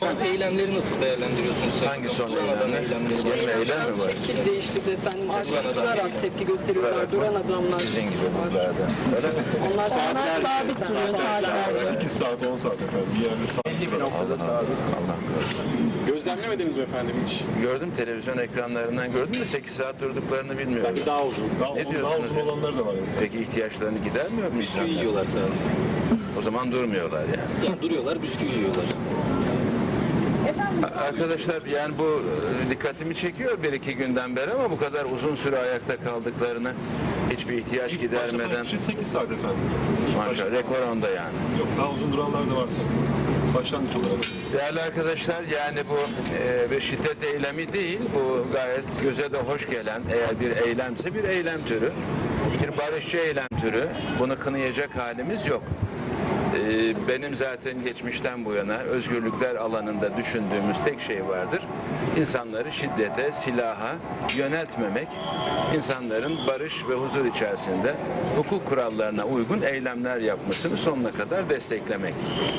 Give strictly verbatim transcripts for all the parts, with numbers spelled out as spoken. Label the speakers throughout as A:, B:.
A: Son eylemleri nasıl değerlendiriyorsunuz?
B: Hangi son
A: Duran adam
B: eylemleri?
A: eylemleri.
B: Yeni eylem mi var?
C: Şekil değiştirdi efendim. Artık
A: Duran adam.
C: durarak tepki gösteriyorlar.
B: Durarak
C: Duran
B: mı?
C: adamlar.
B: Sizin gibi buralarda. Öyle mi?
C: Onlar onlar sabit duruyor saatlerce.
D: sekiz saat on saat efendim. Bir yerde saat.
B: Allah Allah. Allah korusun.
E: Gözlemlemediniz mi efendim hiç?
B: Gördüm, televizyon ekranlarından gördüm de sekiz saat durduklarını bilmiyorum.
E: Belki daha uzun.
D: Daha,
B: Ne
D: uzun,
B: diyorsunuz
D: daha uzun
B: ya?
D: olanları da var. Yani.
B: Peki ihtiyaçlarını gidermiyor mu
A: Bisküvi
B: insanlar?
A: yiyorlar sadece.
B: O zaman durmuyorlar yani.
A: Ya duruyorlar, bisküvi yiyorlar.
B: Arkadaşlar yani bu e, dikkatimi çekiyor bir iki günden beri ama bu kadar uzun süre ayakta kaldıklarını hiçbir ihtiyaç
D: İlk
B: gidermeden
D: başlatan kişi sekiz saat efendim.
B: maşallah rekor onda yani.
D: Yok daha uzun duranlar da var tabii. Başlangıç olarak.
B: Değerli arkadaşlar yani bu e, bir şiddet eylemi değil, bu gayet göze de hoş gelen eğer bir eylemse bir eylem türü, bir barışçı eylem türü, bunu kınayacak halimiz yok. E, benim zaten geçmişten bu yana özgürlükler alanında düşündüğümüz tek şey vardır. İnsanları şiddete, silaha yöneltmemek, insanların barış ve huzur içerisinde hukuk kurallarına uygun eylemler yapmasını sonuna kadar desteklemek.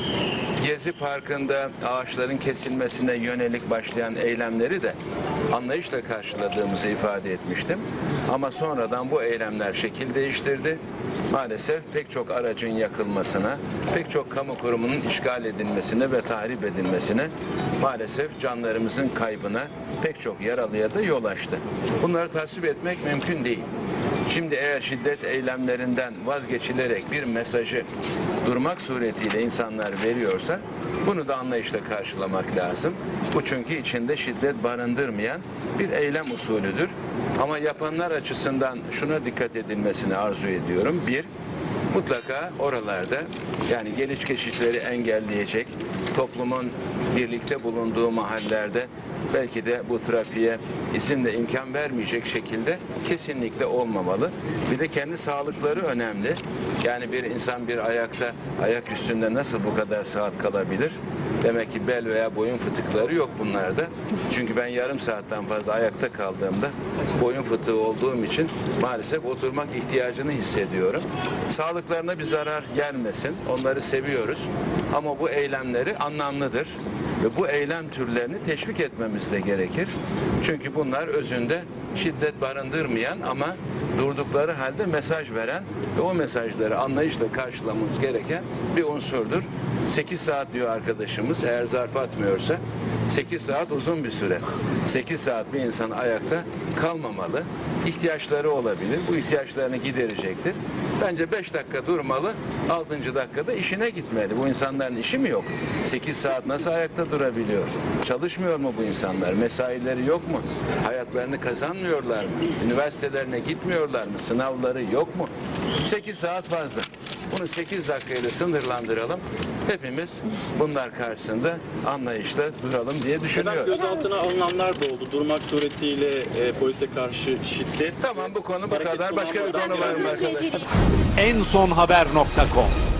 B: Gezi Parkı'nda ağaçların kesilmesine yönelik başlayan eylemleri de anlayışla karşıladığımızı ifade etmiştim. Ama sonradan bu eylemler şekil değiştirdi. Maalesef pek çok aracın yakılmasına, pek çok kamu kurumunun işgal edilmesine ve tahrip edilmesine, maalesef canlarımızın kaybına, pek çok yaralıya da yol açtı. Bunları tasvip etmek mümkün değil. Şimdi eğer şiddet eylemlerinden vazgeçilerek bir mesajı durmak suretiyle insanlar veriyorsa bunu da anlayışla karşılamak lazım. Bu çünkü içinde şiddet barındırmayan bir eylem usulüdür. Ama yapanlar açısından şuna dikkat edilmesini arzu ediyorum. Bir, mutlaka oralarda yani geliş geçişleri engelleyecek, toplumun birlikte bulunduğu mahallelerde belki de bu trafiğe izin de imkan vermeyecek şekilde kesinlikle olmamalı. Bir de kendi sağlıkları önemli. Yani bir insan bir ayakta, ayak üstünde nasıl bu kadar saat kalabilir? Demek ki bel veya boyun fıtıkları yok bunlarda. Çünkü ben yarım saatten fazla ayakta kaldığımda boyun fıtığı olduğum için maalesef oturmak ihtiyacını hissediyorum. Sağlıklarına bir zarar gelmesin. Onları seviyoruz. Ama bu eylemleri anlamlıdır. Ve bu eylem türlerini teşvik etmemiz de gerekir. Çünkü bunlar özünde şiddet barındırmayan ama durdukları halde mesaj veren ve o mesajları anlayışla karşılamamız gereken bir unsurdur. sekiz saat diyor arkadaşımız, eğer zarf atmıyorsa sekiz saat uzun bir süre. sekiz saat bir insan ayakta kalmamalı. İhtiyaçları olabilir. Bu ihtiyaçlarını giderecektir. Bence beş dakika durmalı, altıncı dakikada işine gitmeli. Bu insanların işi mi yok? sekiz saat nasıl ayakta durabiliyor? Çalışmıyor mu bu insanlar? Mesaileri yok mu? Hayatlarını kazanmıyorlar mı? Üniversitelerine gitmiyorlar mı? Sınavları yok mu? sekiz saat fazla. Bunu sekiz dakikayla sınırlandıralım. Hepimiz bunlar karşısında anlayışla duralım diye düşünüyorum.
E: Efendim gözaltına alınanlar da oldu. Durmak suretiyle e, polise karşı şiddet.
B: Tamam bu konu bu
E: Hareket
B: kadar. Başka bir
E: kullanmadan-
B: konu var mı arkadaşlar?
F: en son haber nokta com